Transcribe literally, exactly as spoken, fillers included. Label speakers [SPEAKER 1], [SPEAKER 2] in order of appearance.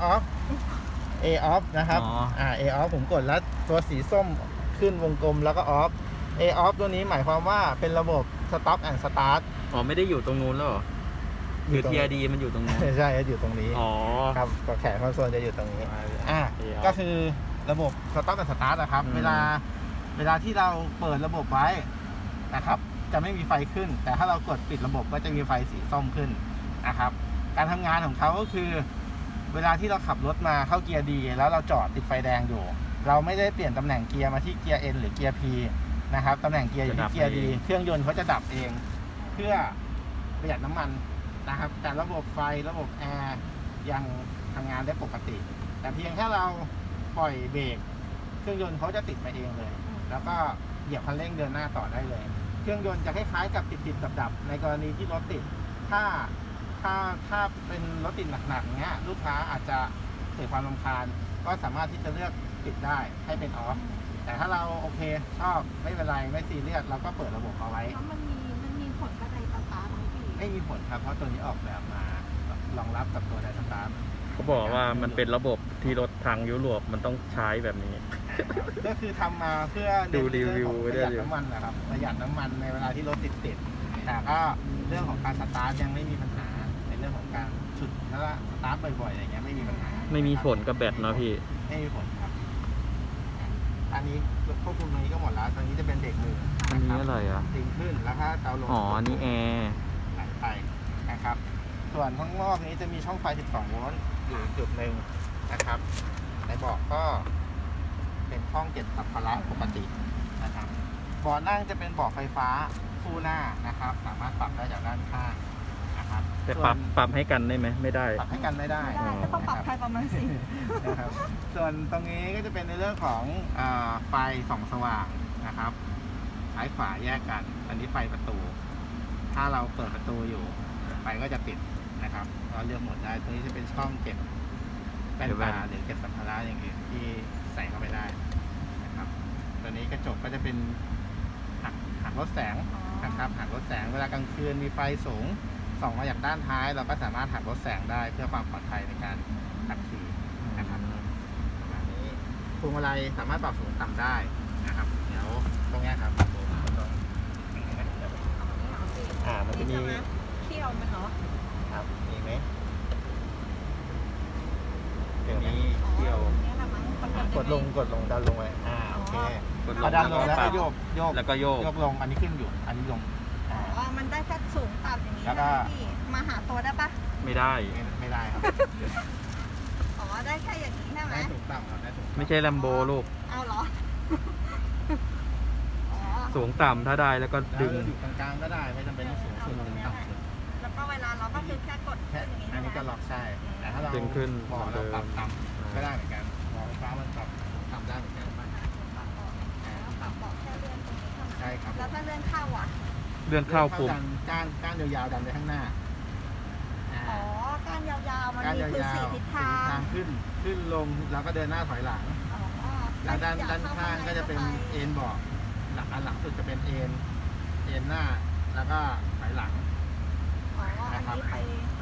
[SPEAKER 1] off A off นะครับ
[SPEAKER 2] อ๋อ
[SPEAKER 1] อ่า A off ผมกดแล้วตัวสีส้มขึ้นวงกลมแล้วก็ off A off ตัวนี้หมายความว่าเป็นระบบ stop and start
[SPEAKER 2] อ๋อไม่ได้อยู่ตรงนู้นแล้วเหรอหรือ ที อาร์ ดี มันอยู่ตรงนู้น
[SPEAKER 1] ใช่อยู่ตรงนี้
[SPEAKER 2] อ๋อ
[SPEAKER 1] ครับตัวแขนคอนโซลจะอยู่ตรงนี้ อ่า
[SPEAKER 2] A off
[SPEAKER 1] ก็คือระบบ stop and start นะครับ
[SPEAKER 2] อืม
[SPEAKER 1] เวลาเวลาที่เราเปิดระบบไว้นะครับ จะไม่มีไฟขึ้น แต่ถ้าเรากดปิดระบบก็จะมีไฟสีส้มขึ้นนะครับ การทำงานของเขาก็คือ เวลาที่เราขับรถมาเข้าเกียร์ดีแล้วเราจอดติดไฟแดงอยู่ เราไม่ได้เปลี่ยนตำแหน่งเกียร์มาที่เกียร์ N หรือเกียร์ P นะครับตำแหน่งเกียร์อยู่ที่เกียร์ดีเครื่องยนต์เขาจะดับเอง เพื่อประหยัดน้ำมันนะครับ แต่ระบบไฟระบบแอร์ยังทำงานได้ปกติ แต่เพียงแค่เราปล่อยเบรกเครื่องยนต์เขาจะติดไปเองเลย แล้วก็เหยียบคันเร่งเดินหน้าต่อได้เลย เครื่องยนต์จะคล้ายๆกับติดติดดับๆในกรณีที่รถติด ถ้าถ้าถ้าเป็นรถติดหนักๆเงี้ยลูกค้าอาจจะเกิดความรำคาญก็สามารถที่จะเลือกปิดได้ให้เป็นออฟแต่ถ้าเราโอเคชอบไม่เป็นไรไม่ซีเรียสเราก็เปิดระบบเอาไว้
[SPEAKER 3] แล้วมันมีมันมีผลกับไดสตาร์ทไหมพี่
[SPEAKER 1] ไม่มีผลครับเพราะตัวนี้ออกแบบมารองรับกับตัวไดสตาร์ท
[SPEAKER 2] เขาบอกว่ามันเป็นระบบที่รถทางยุโรปมันต้องใช้แบบนี้
[SPEAKER 1] ก็คือทำมาเพื่อ
[SPEAKER 2] ดูรีวิว
[SPEAKER 1] ประหยัดน้ำมันนะครับประหยัดน้ำมันในเวลาที่รถติดติดๆแต่ก็เรื่องของการสตาร์ทยังไม่มีปัญหาในเรื่องของการฉุดแล้วก็สตาร์ทบ่อยๆอะไรเงี้ยไม่มีปัญหา
[SPEAKER 2] ไม่มีผลกับแบตเนาะพี่
[SPEAKER 1] ไม่มีผลครับอันนี้ควบคุมตรงนี้ก็หมดแล้วตอนนี้จะเป็นเบรกมือ
[SPEAKER 2] อันนี้อะไรอ่ะ
[SPEAKER 1] ดึงขึ้นแล้วถ้าเตาลง
[SPEAKER 2] อ๋ออันนี้แอร์
[SPEAKER 1] ไหลไปนะครับ ส่วนข้างนอกนี้จะมีช่องไฟ สิบสอง โวลต์อยู่จุดหนึ่งนะครับในเบาะก็เป็นช่องเก็บสัมภาระปกตินะครับเบาะนั่งจะเป็นเบาะไฟฟ้าคู่หน้านะครับ สามารถปรับได้จากด้านข้างนะครับ
[SPEAKER 2] แต่
[SPEAKER 1] ส่วน
[SPEAKER 2] ปรับปรับให้กันได้ไหมไม่ได้
[SPEAKER 1] ปรับให้กันไม่ได้
[SPEAKER 3] ไม่ได้ก็ต้องปรับไฟประมาณสิ
[SPEAKER 1] นะครับ ส่วนตรงนี้ก็จะเป็นในเรื่องของอาไฟส่องสว่างนะครับซ้ายขวาแยกกัน อันนี้ไฟประตู ถ้าเราเปิดประตูอยู่ไฟก็จะติดนะครับเราเลือกโหมดได้ตรงนี้จะเป็นช่องเก็บแป้น
[SPEAKER 2] เก็บแว่
[SPEAKER 1] ตาน หรือเก็บสัมภาระอย่างอื่นที่ใส่เข้าไปได้นะครับตัวนี้กระจกก็จะเป็นหักหักลดแสงนะครับหักลดแสงเวลากลางคืนมีไฟสูงส่องมาจากด้านท้าย เราก็สามารถหักลดแสงได้เพื่อความปลอดภัยในการขับขี่นะครับประมาณนี้พวงมาลัยสามารถปรับสูงต่ำได้นะครับเดี๋ยวตรงเนี้ยครับอ่ามันจะมี
[SPEAKER 3] เที่ยวไหมคะ
[SPEAKER 1] ครับมีไหมเดี๋ยวนี้เที่ยว
[SPEAKER 3] เนี่ยนะมั้งมัน
[SPEAKER 1] กดลงกดลงดันลงไว้อ่าโอเค
[SPEAKER 2] กดล
[SPEAKER 1] พอง ดันลงแล้ว
[SPEAKER 2] ปรั
[SPEAKER 1] ก็
[SPEAKER 2] บ
[SPEAKER 1] โยกโยก
[SPEAKER 2] แล้วก็โยก
[SPEAKER 1] โยกลงอันนี้ขึ้นอยู่ อันนี้ลงอ่า
[SPEAKER 3] อ๋อมันได้แค่สูงต่ำอย่างนี้
[SPEAKER 1] แล้วก็
[SPEAKER 3] นะพี่มาหาตัวได้ปะ
[SPEAKER 2] ไม่ได้
[SPEAKER 1] ไม่ไม่ได้ครับ
[SPEAKER 3] อ๋อได้แค่อย่างนี้ใช่ไหม
[SPEAKER 1] ได้สูงต่ำครับได้สูงต่ำ
[SPEAKER 2] ไม่ใช่แลมโบลูก
[SPEAKER 3] เอาเหรออ๋อ
[SPEAKER 2] สูงต่ำถ้าได้แล้วก็
[SPEAKER 1] แล้ว
[SPEAKER 2] ดึง
[SPEAKER 1] อยู่กลางๆก็ได้ไม่จำเป็นต้องสูงสุดหรือต่ำสุด
[SPEAKER 3] แล้วก็เวลาเราก็คือแค่กด
[SPEAKER 1] แค่
[SPEAKER 3] อย่างนี้
[SPEAKER 1] อันนี้ก็
[SPEAKER 3] ใช่ไหม
[SPEAKER 1] ล็อกใช่แต่ถ้าเรา
[SPEAKER 2] ดึงขึ้น
[SPEAKER 1] บอกเราปรับ
[SPEAKER 2] เหมือนเดิม
[SPEAKER 1] ต่ำก็ได้เหมือนกันบอกไฟฟ้ามันปรับต่ำได้เหมือนกัน
[SPEAKER 3] ปรับเบาะแค่เลื่อนตรงนี้เท่านั้น
[SPEAKER 1] ใช่ครับ
[SPEAKER 3] แล้วถ้าเลื่อนเข้าอ่ะ
[SPEAKER 2] เลื่อนเข้าปุ่ม
[SPEAKER 1] ดันก้านก้านยาวๆดันไปข้างหน้าอ่า
[SPEAKER 3] อ๋อก้านยาวๆมัน
[SPEAKER 1] ก้าน
[SPEAKER 3] มี
[SPEAKER 1] ยาว
[SPEAKER 3] คือ
[SPEAKER 1] ๆ
[SPEAKER 3] สี่ทิศทาง
[SPEAKER 1] ขึ้นขึ้นลงแล้วก็เดินหน้าถอยหลัง
[SPEAKER 3] อ๋อ
[SPEAKER 1] แล้วด้าน
[SPEAKER 3] อยก
[SPEAKER 1] ด้าน
[SPEAKER 3] เข้
[SPEAKER 1] ข้างก็จะเป็น
[SPEAKER 3] ข้าไป
[SPEAKER 1] เอ็นเบาะหลังอันหลังสุดจะเป็นเอ็นเอ็นหน้าแล้วก็ถอยหลัง
[SPEAKER 3] อ๋ออันนี้ไป